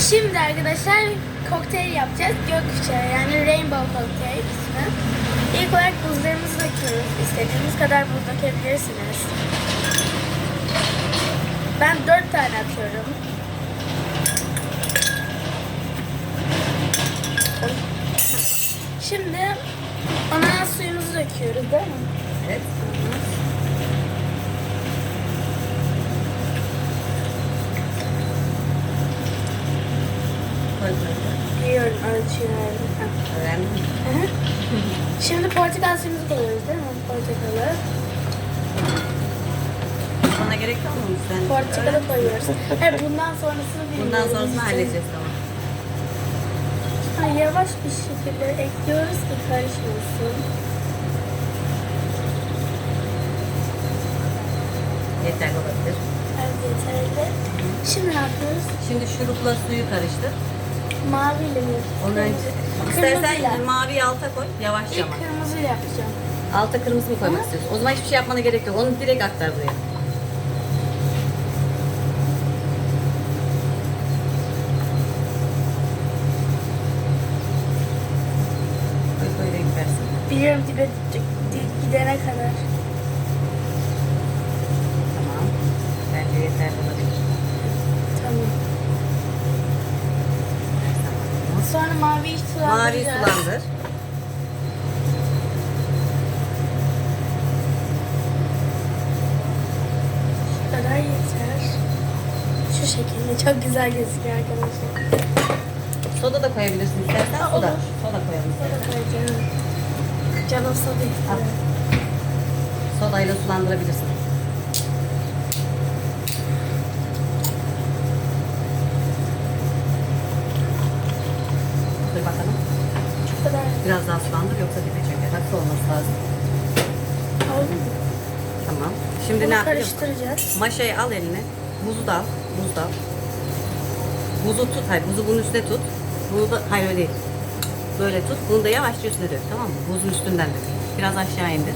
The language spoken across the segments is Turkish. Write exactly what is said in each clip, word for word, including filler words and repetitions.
Şimdi arkadaşlar kokteyl yapacağız. Gökkuşağı yani Rainbow Cocktail ismi. İlk olarak buzlarımızı döküyoruz. İstediğiniz kadar buz dökebilirsiniz. Ben dört tane atıyorum. Şimdi ona suyumuzu döküyoruz değil mi? Evet. Koy koy. Biliyorum ölçüyorum. Öğrendin mi? Hı hı. Şimdi portakal suyumuzu koyuyoruz değil mi? Portakalı. Bana gerek kalmamış sen. Portakalı koyuyoruz. Hayır bundan sonrasını bilmiyorum. Bundan sonrasını halledeceğiz tamam. Ha, yavaş bir şekilde ekliyoruz ki karışmasın. Yeterli olabilir. Evet yeterli. Şimdi ne yapıyoruz? Şimdi şurupla suyu karıştır. Maviyle mi? Onu önce Kırmızıyla. istersen maviyi alta koy. Yavaşça İlk ama. kırmızıyla yapacağım. Alta kırmızı mı koymak Hı. istiyorsun? O zaman hiçbir şey yapmana gerek yok. Onu direkt aktar buraya. Koy koy renk versin. Biliyorum dibe di- gidene kadar. Tamam. Bence yeterli olabilir. Tamam. Sonra maviyi Maviyi sulandıracağız. sulandır. Bu kadar yeter. Şu şekilde çok güzel gözüküyor arkadaşlar. Soda da koyabilirsin istersen. Ha, Soda. olur. Soda koyalım. Soda koyacağım. Canım soda istiyor. Sodayla sulandırabilirsin. Dur bakalım. Bu kadar. Biraz daha sulandır yoksa dibe çöker. Haklı olması lazım. Oldu mu? Tamam. Şimdi Bunu ne yapacağız? karıştıracağız. Maşayı al eline. Buzu da al. Buz da al. Buzu tut. Hayır buzu bunun üstüne tut. Bunu da hayır öyle değil. Böyle tut. Bunu da yavaşça üstüne dök. Tamam mı? Buzun üstünden dök. Biraz aşağı indir.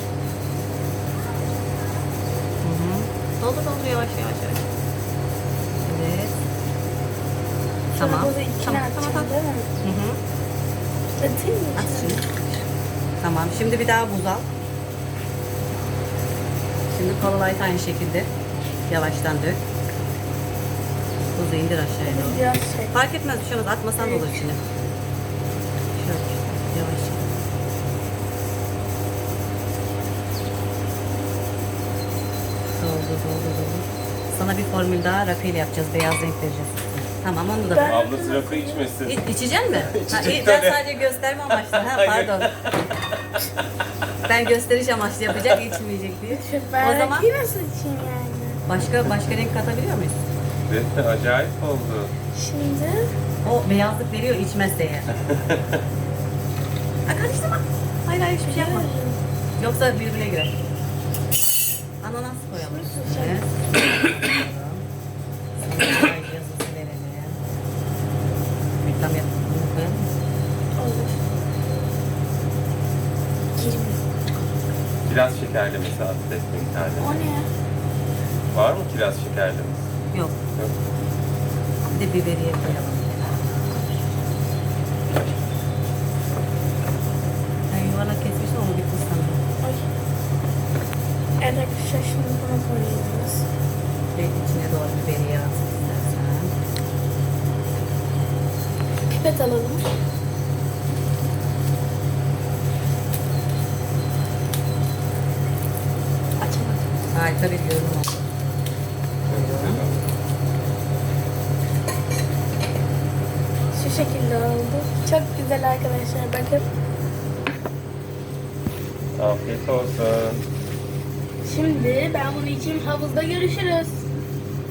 Hı hı. Doldur doldur yavaş yavaş yavaş. Evet. Sonra Tamam. buzu içine Tamam atacağım tamam tamam. değil mi? Hı hı. Atayım mı At içine? şimdi. Tamam. Şimdi bir daha buz al. Şimdi kolalayı aynı şekilde yavaştan dök. Buzu indir aşağıya doğru. Biraz şey. Fark etmez bir şey olmaz. Atmasan da olur içine. Şöyle yavaş. Doldu doldu doldu. Sana bir formül daha rakıyla yapacağız. Beyaz renk vereceğiz. Tamam onu da Ben- Ablası rakı içmesin. İ- İçecek mi? Ha, İçecek iyi, ben tabii. sadece gösterme amaçlı. Ha, pardon. Ben gösteriş amaçlı yapacak, içmeyecek diye. Ben O zaman rakıyı nasıl içeyim yani? başka başka renk katabiliyor muyuz? Evet, acayip oldu. Şimdi O beyazlık veriyor içmezse eğer. Ha, karıştırma. Hayır hayır hiçbir şey yapma. Yoksa birbirine girer. Ananas koyalım. Evet. Sana yazısı verelim. Reklam yapalım. Bunu koyalım mı? olur. Girmiyor. Kiraz şekerlemesi attı bir tane. O ne? Var mı kiraz şekerlemesi? Yok. Yok. Bir de biberiye koyalım. Ben yuvarlak kesmiştim ama bitmiş sanırım. Ay. Evet arkadaşlar şimdi bunu koyuyoruz. Ve içine doğru biberiye at istersen. Pipet alalım. Açamadım. Harika bir yorum oldu. Şu şekilde oldu. Çok güzel arkadaşlar bakın. Afiyet olsun. Şimdi ben bunu içeyim, havuzda görüşürüz.